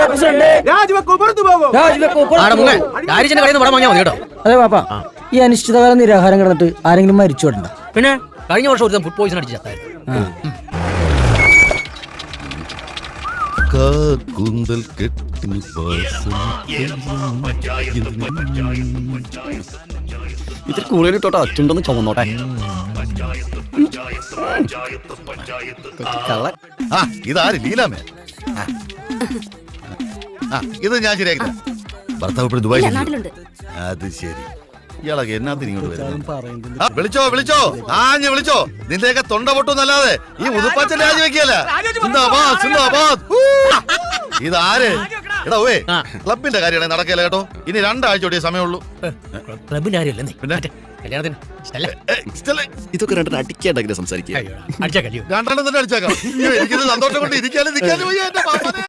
അതെ പാപ്പ, ഈ അനിശ്ചിതകാല നിരാഹാരം കിടന്നിട്ട് ആരെങ്കിലും മരിച്ചോടണ്ട. പിന്നെ കഴിഞ്ഞ വർഷം ഒരു ഫുഡ് പോയിസൺ അടിച്ചു ചത്തായിരുന്നു. കൂന്തൽ കെട്ടി ഇതിൽ കൂടുതൽ തൊട്ട് അച്ചുണ്ടെന്ന് ചുമന്നോട്ടെ. ഇതാര് ലീലാമേ? ഇത് ഞാൻ ശരിയാക്കി. ഭർത്താവ് ഇപ്പോൾ ദുബായ്. അത് ശരി. ഇയാളൊക്കെ എന്നാത്തിന് ഇങ്ങോട്ട് വരുന്നത്? വിളിച്ചോ വിളിച്ചോ. നിന്റെയൊക്കെ തൊണ്ട പൊട്ടുന്നല്ലാതെ ഈ ഉതുപ്പാച്ചൻ രാജിവെക്കല്ല. ഇതാര്? എടാ ഓവേ, ക്ലബിന്റെ കാര്യമാണ് നടക്കല കേട്ടോ. ഇനി 2 ആഴ്ച കൂടിയേ സമയമുള്ളൂ. ക്ലബിന്റെ കാര്യമല്ലേ? പിന്നെ കല്യാണത്തിന് ഇതൊക്കെ 2 അടിക്കാണ്ടെങ്കിലും സംസാരിക്കുക. 2 തന്നെ അടിച്ചേക്കാം. എനിക്കിത് സന്തോഷം കൊണ്ട് ഇരിക്കാനും നിൽക്കാനും